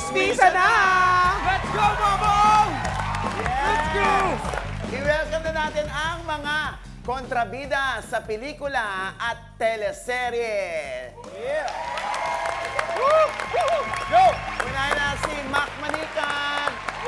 Chismisa na! Let's go, Mamong! Let's go! I-welcome na natin ang mga kontrabida sa pelikula at teleserye. Yeah! Go! Unahin na si Mac Manikan.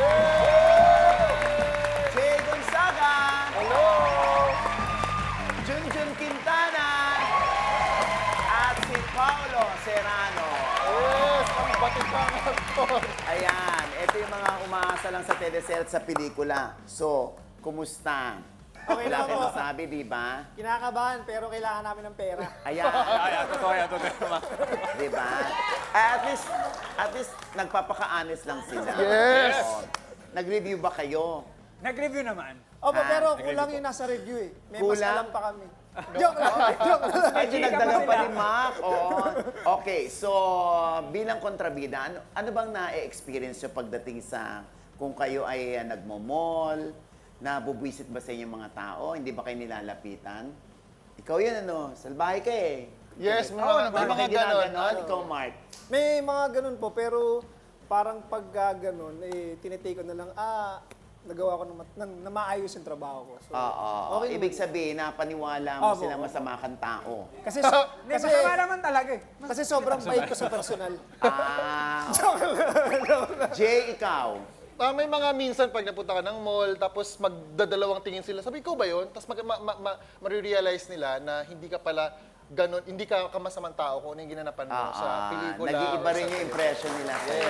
Jay Gonzaga. Hello! Junjun Quintana. At si Paolo Serrano. Yes! Ang batibang actor! Ayan, ito yung mga umaasa lang sa teleserye at sa pelikula. So, kumusta? Okay Wala lang kang po. masabi, di ba? Kinakabahan, pero kailangan namin ng pera. Ayan. Totoo yan, totoo. Di ba? At least, nagpapaka-honest lang sila. Yes! Oo. Nag-review ba kayo? Nag-review naman. Opo, pero nag-review kulang po. yung nasa review eh. May Kulang? mas alam pa kami. Joke lang, joke lang. Medyo nagdagan pa rin, Mac. Oo. Okay, so bilang kontrabida, ano bang na-experience nyo pagdating sa kung kayo ay nagmo-mall, nabubwisit ba sa inyong mga tao? Hindi ba kayo nilalapitan? Ikaw yun, ano? Salbahe ka eh. Yes, Oo, mga mga ganon. ganon. Ikaw, Mark. May mga ganun po, pero parang pag ganun, tinitake ko na lang, nagawa ko na maayos yung trabaho ko. So, Oo. okay Ibig naman. sabihin, napaniwala mo Opo, sila opo. masama kang tao. Kasi, kasi, Masama naman talaga eh. kasi sobrang bait ko sa personal. Ah. Jay, ikaw. May mga minsan pag napunta ka ng mall, tapos magdadalawang tingin sila, sabi ko ba yun? Tapos marirealize nila na hindi ka pala ganun, hindi ka kamasamang tao kung ano yung ginanapan mo sa pelikula. Nag-iiba or rin sa yung film. impression nila sa'yo.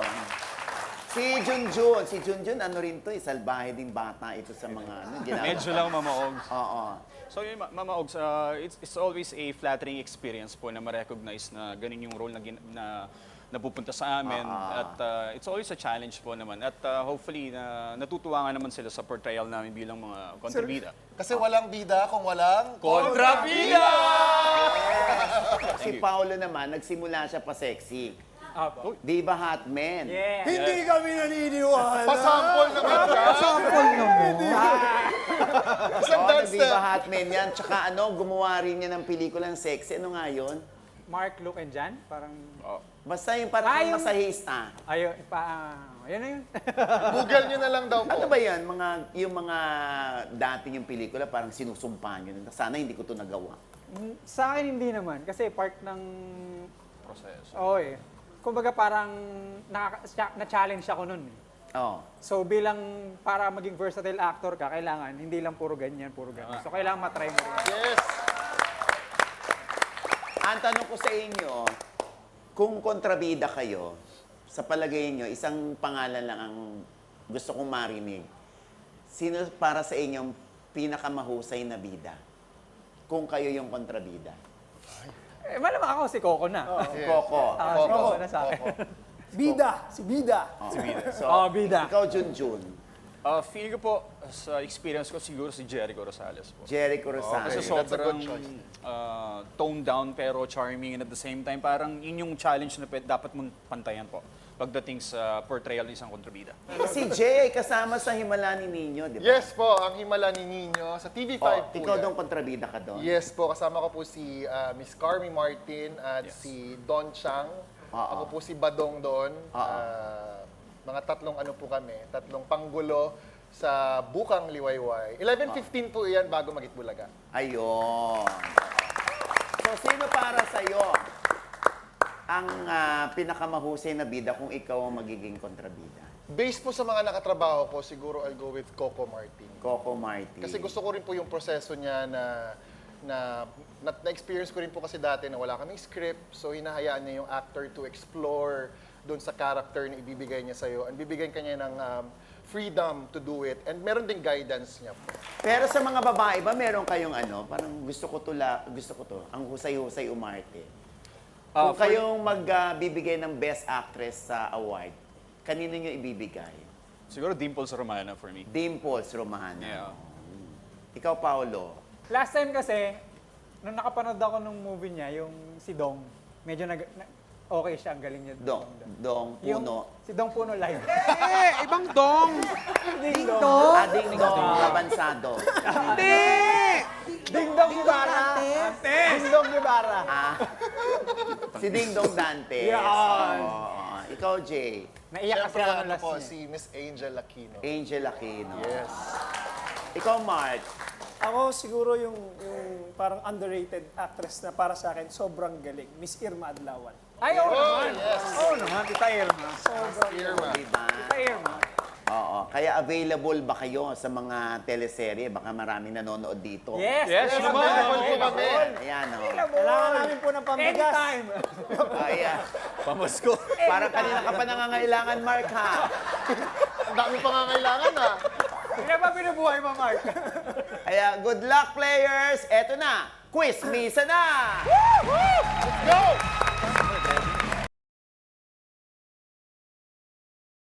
Si Junjun, ano rin to, salbahe ding bata ito sa mga ginagawa. Medyo lang mamaogs. Oo. So yun, mamaogs, it's always a flattering experience po na ma-recognize na ganun yung role na napupunta sa amin. At it's always a challenge po naman. At hopefully, natutuwa nga naman sila sa portrayal namin bilang mga kontrabida. Kasi walang bida kung walang... Kontrabida! Si Paolo naman, nagsimula siya pa sexy. Apo. Di ba hot man? Yeah. Hindi kami naniniwala. Pasample naman siya! Sample naman. Isang Oo, dance di ba step! hot man yan? Tsaka gumawa rin niya ng pelikulang sexy. Ano nga yun? Mark, Luke, and Jan? Parang, Basta yung parang yung- masahista. ayun, yan na yun. Google nyo na lang daw po. Ano ba yan? Yung mga dating yung pelikula, parang sinusumpa nyo. Sana hindi ko to nagawa. Sa akin hindi naman, kasi part ng, Proseso. kumbaga parang na-challenge ako nun. Oo. So bilang para maging versatile actor ka, kailangan hindi lang puro ganyan, puro ganyan. So kailangan matry mo rin. Yes! Ang tanong ko sa inyo, kung kontrabida kayo, sa palagay nyo, isang pangalan lang ang gusto kong marinig. Sino para sa inyong pinakamahusay na bida? Kung kayo yung kontrabida. Malamang ako si Coco na. Coco. Si Coco na sa akin. Bida, si Bida. So, bida. ikaw, Junjun. Feel ko po, sa experience ko, siguro si Jericho Rosales po. Jericho Rosales. Kasi That's a sobrang good choice. toned down pero charming and at the same time parang yun yung challenge na dapat mong pantayan po pagdating sa portrayal ng isang kontrabida. Si Jay ay kasama sa Himala ni Nino, di ba? Yes po, ang Himala ni Nino sa TV5 Oh, po ikaw yan. doon kontrabida ka doon? Yes po, kasama ko po si Miss Carmi Martin at si Don Chang. Ako po si Badong doon. Mga tatlong ano po kami, tatlong panggulo sa Bukang Liwayway. 11:15 po yan bago Magitbulaga. Ayun. So, sino para sa'yo ang pinakamahusay na bida kung ikaw ang magiging kontrabida? Based po sa mga nakatrabaho ko, siguro I'll go with Coco Martin. Coco Martin. Kasi gusto ko rin po yung proseso niya na-experience ko rin po kasi dati na wala kaming script. So, hinahayaan niya yung actor to explore doon sa character na ibibigay niya sa'yo. And bibigyan kanya ng freedom to do it. And meron ding guidance niya po. Pero sa mga babae ba, meron kayong parang gusto ko to, ang husay-husay umarte. Kung kayong magbibigay ng Best Actress sa award, kanino nyo ibibigay? Siguro Dimples Romana for me. Dimples Romana. Yeah. Ikaw, Paolo. Last time kasi, nung nakapanood ako ng movie niya, yung si Dong, medyo okay siya, ang galing niya. Dong Puno. Si Dong Puno live. Ibang dong! Ding Dong! Ading Dong Labansado. Hindi! Ding Dong Ibarra. Ding Dong Ibarra. Si Ding Dong Dantes. Yan. Oo. ikaw, Jay. Naiyak kasi Siyempre, ako ano last po, niya. si Miss Angel Aquino. Angel Aquino. Yes. Ikaw, Mark. Ako siguro yung parang underrated actress na para sa akin sobrang galing, Miss Irma Adlawan. Ay, oo Oh, naman. yes. Oo naman, Tita Irma. Sobrang Irma. Diba? Tita Irma. Oo. Kaya available ba kayo sa mga teleserye? Baka maraming nanonood dito. Yes, Yes, yes, naman. Available po kami. Ayan, o. Kailangan namin po ng pambigas. Anytime. Ayan. Pamasko. Parang kanina ka pa nangangailangan, Mark, ha? Ang dami pangangailangan ah. Hindi ba binubuhay mo, Mark? Kaya, good luck, players! Eto na, quiz misa na! Go!